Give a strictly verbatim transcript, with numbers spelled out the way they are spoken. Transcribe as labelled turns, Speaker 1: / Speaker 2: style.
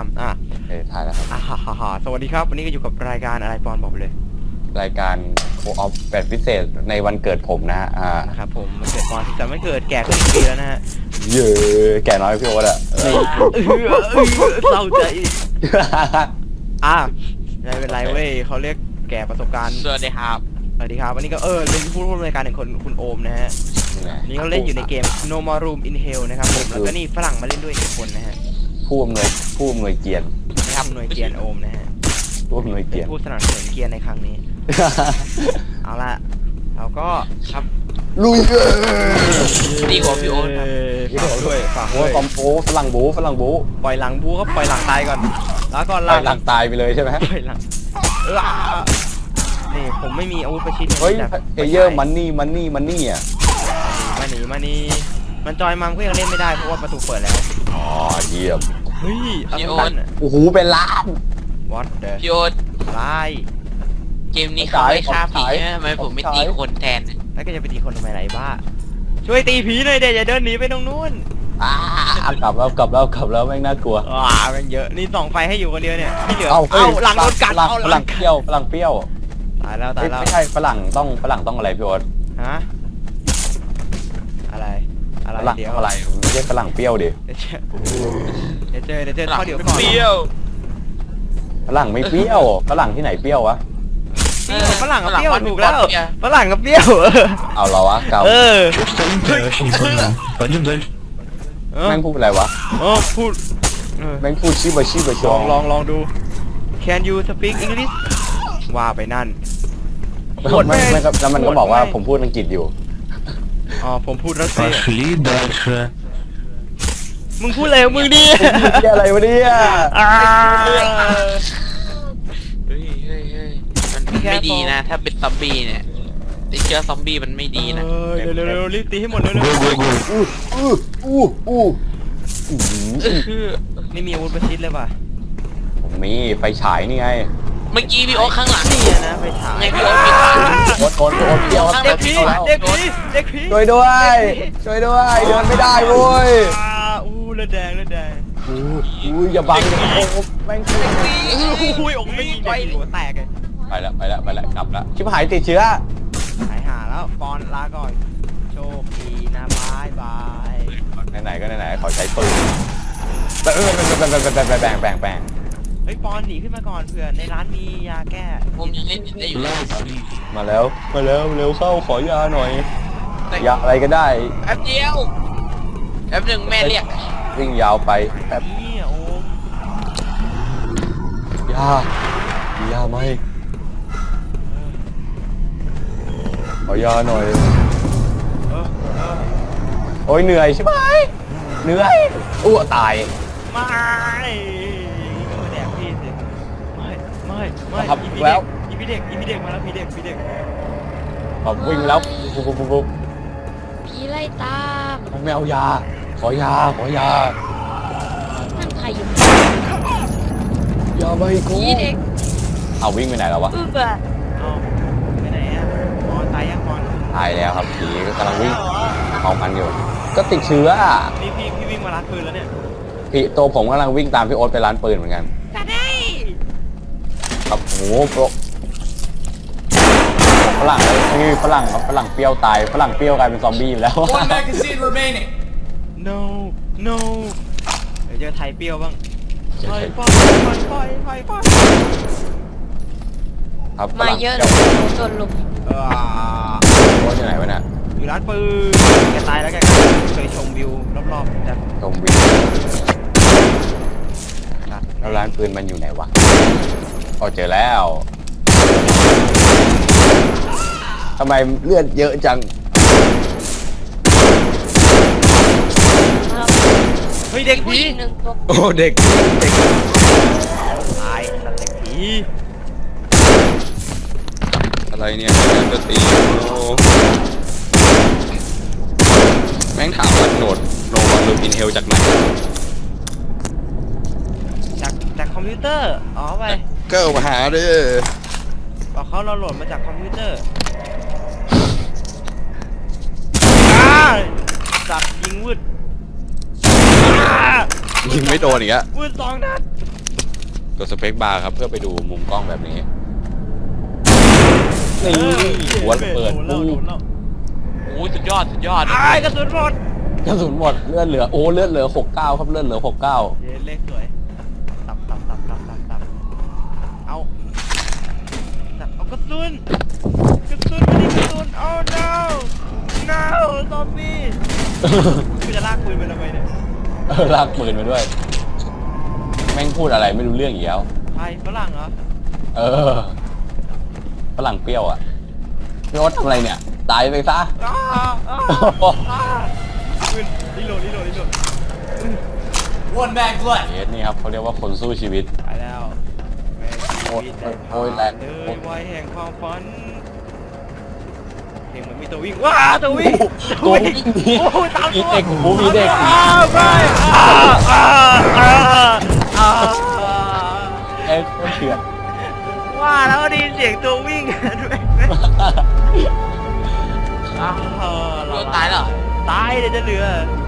Speaker 1: ำอ่ะ
Speaker 2: เออถ่ายแล้วครับ
Speaker 1: อ่าฮ่าฮ่าสวัสดีครับวันนี้ก็อยู่กับรายการอะไรปอนบอกไปเลย
Speaker 2: รายการโคออฟแบบพิเศษในวันเกิดผมนะฮะอ่า
Speaker 1: นะครับผมมันเกิดปอนที่จะไม่เกิดแก่ขึ้นอีกปีแล้วนะฮะ
Speaker 2: เยอะแก่น้อยพี่โอ๊ตอะ
Speaker 1: เศร้าใจอ่ะไม่เป็นไรเว้ยเขาเรียกแก่ประสบการณ์
Speaker 3: สวัสดีครับ
Speaker 1: สวัสดีครับวันนี้ก็เออเป็นผู้ร่วมรายการหนึ่งคนคุณโอมนะฮะนี่เขาเล่นอยู่ในเกม No More Room in Hell นะครับผมแล้วก็นี่ฝรั่งมาเล่นด้วยอีกคนนะฮะ
Speaker 2: ผู้อำนวยผู้อำนวยเกียรติ
Speaker 1: นะครับหน่วยเกียรติโอมนะฮะ
Speaker 2: ผู้อำนวยเกียรติ
Speaker 1: ผู้สนับสนุนเกียรติในครั้งนี้เอาละเราก็ครับ
Speaker 2: ลุยเออ
Speaker 3: ดีกว่าพี่โอ๊ต
Speaker 1: ฝากด้วยฝากด้วย
Speaker 2: คอมโพฝรั่งบูฝรั่งบู
Speaker 1: ปล่อยหลังบูก็ปล่อยหลังตายก่อนแล้วก็
Speaker 2: ปล่อยหลังตายไปเลยใช่ไหม
Speaker 1: ปล่อยหลังนี่ผมไม่มีอาวุธประชิด
Speaker 2: เฮ้ยเอเยอร์มันนี่มันนี่มันนี่อ่ะ
Speaker 1: มาหนีมานี่มันจอยมังก็ยังเล่นไม่ได้เพราะว่าประตูเปิดแล้ว
Speaker 2: อ๋อเยี่ยม
Speaker 1: เฮ้ยพี่โอ๊ต
Speaker 2: โอ้โหเป็นล้าน
Speaker 1: What the
Speaker 3: พี่โอ๊ต
Speaker 1: ไล่
Speaker 3: เกมนี้เขาไม่ฆ่าผีทำไมผมไม่ตีคนแทน
Speaker 1: แล้วก็จะไปตีคนทำไมไรบ้าช่วยตีผีหน่อยเดี๋ยวอย่าเดินหนีไปตรงนู้น
Speaker 2: อ่ากลับแล้วกลับแล้วกลับแล้วแม่งน่ากลัว
Speaker 1: อ่ามันเยอะนี่ส่องไฟให้อยู่คนเดียวเนี่ยที่เหลือเอาหลังโดนกัดเอา
Speaker 2: หลังเปรี้ยวหลังเปรี้ยว
Speaker 1: ตายแล้วตายแล้ว
Speaker 2: ไม่ใช่ฝรั่งต้องฝรั่งต้องอะไรพี่โอ๊ต
Speaker 1: ฮะอะไรอะไร
Speaker 2: เดี๋ยวอะไรไม่ใช่ฝรั่งเปรี้ยวดิ
Speaker 1: เดี๋ยวเจอเดี๋ยวเจอข้อเดี๋ยวก่อน
Speaker 3: เปรี้ยว
Speaker 2: ฝรั่งไม่เปรี้ยวฝรั่งที่ไหนเปรี้ยววะ
Speaker 1: ฝรั่งกับเปรี้ยวถูกแล้วฝรั่งกับเปรี้ยว
Speaker 2: เอาเราวะเก่า
Speaker 1: เออ
Speaker 2: แม่งพูดอะไรวะ
Speaker 1: เออพูด
Speaker 2: แม่งพูดชิบะชิบะช
Speaker 1: องลองลองดู Can you speak English ว่าไปนั่น
Speaker 2: พูดไม่แล้วมันก็บอกว่าผมพูดอังกฤษอยู่
Speaker 1: อ๋อผมพูดรัสเซียมึงพูดอะไรมึงดิ
Speaker 2: อะไรวะเนี่ย
Speaker 3: เฮ้ยเฮ้ยเฮ้ยมันไม่ดีนะถ้าเป็นซอมบี้เนี่ยติดเชื้อซอมบี้มันไม่ดีนะ
Speaker 1: เร็วเร็วเร็วรีบตีให้หมดเร็วเร็ว
Speaker 2: อู้อู้อู้อู้
Speaker 1: นี่มีอาวุธประชิดเลยป่ะ
Speaker 2: ผมมีไฟฉายนี่ไง
Speaker 3: เมื่อกี้พี่โอ๊ตข้างหลัง
Speaker 1: นี่นะไฟฉาย
Speaker 3: ไงพี่โอ๊ตมีทาง
Speaker 2: โอ๊ตโอ๊ตโอ๊ตเดียว
Speaker 1: เด็กผีเด็กผีเด็กผี
Speaker 2: ช่วยด้วยช่วยด้วยเดินไม่ได้เว้ย
Speaker 1: อู้เลือดแดงเลือดแดง
Speaker 2: อู้อู้อย่าบังโอ้แม่งตี
Speaker 1: อุ้ยอกไม่ยิงไปหัวแตกเลย
Speaker 2: ไปแล้วไปแล้วไปแล้วกลับแล้วชิบหายติดเชื้อ
Speaker 1: หายหาแล้วปอนลาก่อนโชคดีนะบายบาย
Speaker 2: ไหนๆก็ไหนๆขอใช้ปืนแบ่งแบ่งแบ่งแบ่งแบ่งแบ่งแบ่งแบ่ง
Speaker 1: เฮ้ยปอนหนีขึ้นมาก่อนเผื่อในร้านมียาแก้
Speaker 3: ผมยังเล่นได้อยู่
Speaker 2: มาแล้วมาแล้วเร็วเข้าขอยาหน่อยยาอะไรก็ได้
Speaker 3: แป๊บเดียวแป๊บหนึ่งแม่เรียก
Speaker 2: วิ่งยาวไปแป๊บ
Speaker 1: นี่โอ้
Speaker 2: ยายาไหมขอยาหน่อยโอ้ยเหนื่อยใช่ไหมเหนื่อยอ้วตาย
Speaker 1: ไม่แดกพี่สิไม่ไม่ไม่
Speaker 2: ครับแล้ว
Speaker 1: อีพีเด็กอีพีเด็กมาแล้วพีเด็กพีเด็ก
Speaker 2: ผมวิ่งแล้วปุ๊บปุ๊บปุ๊บปุ๊บ
Speaker 4: ผีไล่ตาม
Speaker 2: ไม่เอายาขอยาขอยา
Speaker 4: นั่นใครอยู่
Speaker 2: ยาใบกู
Speaker 4: ผีเด็ก
Speaker 2: เอาวิ่งไปไหนแล้ววะ
Speaker 4: อึบอะ
Speaker 1: เอาไปไหนอ่ะนอนตายยังนอน
Speaker 2: ตายแล้วครับผีกำลังวิ่งเอากันอยู่ก็ติดเชื้อ
Speaker 1: พี่พี่พี่วิ่งมาร้านปืนแล้วเนี่ย
Speaker 2: พี่ตัวผมกำลังวิ่งตามพี่โอ๊ตไปร้านปืนเหมือนกัน
Speaker 1: จะได้
Speaker 2: ครับโอ้โหฝรั่งนี่ฝรั่งฝรั่งเปรี้ยวตายฝรั่งเปรี้ยวกลายเป็นซอมบี้แล้ว
Speaker 1: no no เดี๋ยวเจอไทยเปรี้ยวบ้างไฟไฟไฟไฟไฟ
Speaker 2: ครับ
Speaker 4: มาเยอะเลยจนลุม
Speaker 1: เออ
Speaker 2: โอ๊ตอยู่ไหนวะเนี่ย
Speaker 1: อยู่ร้านปืนแกตายแล้วแกเคยชมวิวรอบๆนะ
Speaker 2: ชมวิวแล้วร้านปืนมันอยู่ไหนวะอ๋อเจอแล้วทำไมเลือดเยอะจัง
Speaker 1: เฮ้ยเด็กผี
Speaker 2: โอ้เด็กเด็ก
Speaker 1: ตายสัตว์เด็กผี
Speaker 2: อะไรเนี่ยจะตีแม่งถามว่าโหนดโนวันลูปินเฮลจากไหน
Speaker 1: จากจากคอมพิวเตอร์อ๋อไป
Speaker 2: ก็มาหาดิ
Speaker 1: บอกเขาเราโหลดมาจากคอมพิวเตอร์จับยิงวืด
Speaker 2: ยิงไม่โดนอีกอะ
Speaker 1: วืดสองนัด
Speaker 2: กดสเปคบาร์ครับเพื่อไปดูมุมกล้องแบบนี้นี่หัวระเปิด
Speaker 1: โดนแล้วโดนแล้ว
Speaker 3: โอ้ยสุดยอดสุดยอด
Speaker 1: ไอ้ายกระสุนหมด
Speaker 2: กระสุนหมดเลือดเหลือโอ้เลือดเหลือหกเก้าครับเลือดเหลือหกเก้า
Speaker 1: เย้เลขสวยตับตับตับตับตับตับเอาตับเอากระสุนกระสุนมาดิกระสุนโอ้ no no ซอมบี้กูจะลากปืนไปทำไมเนี่ย
Speaker 2: เออลากปืนมาด้วย แม่งพูดอะไรไม่รู้เรื่องอีกแล้ว
Speaker 1: ใครฝรั่งเหรอ
Speaker 2: เออฝรั่งเปรี้ยวอ่ะพี่โอ๊ตทำอะไรเนี่ยตายไปซะ
Speaker 1: อ้าอ้าอ้าปืนรีโหลดรีโหลดรีโหลด
Speaker 2: เอสนี่ครับเขาเรียกว่าคนสู้ชีวิต
Speaker 1: ตายแล้วแม่ง
Speaker 2: โอ้ย
Speaker 1: ชีวิตได้
Speaker 2: โอ้ยแรง
Speaker 1: เอ้ยวัยแห่งความฝันเพลงมันมีตัววิ่งว้าตัววิ่ง
Speaker 2: ตัววิ่งหนี
Speaker 1: โอ้ยตาม
Speaker 2: มี
Speaker 1: ตัว
Speaker 2: เด็กหูมีเด็ก
Speaker 1: อ้าวไปอ้าวอ้าวอ้าวอ้าว
Speaker 2: เอ๊ะเถื่อน
Speaker 1: ว่าแล้วได้ยินเสียงตัววิ่งด้วยอ้าว
Speaker 3: โดนตายแล้วเหรอ
Speaker 1: ตายเลยจะเหลือ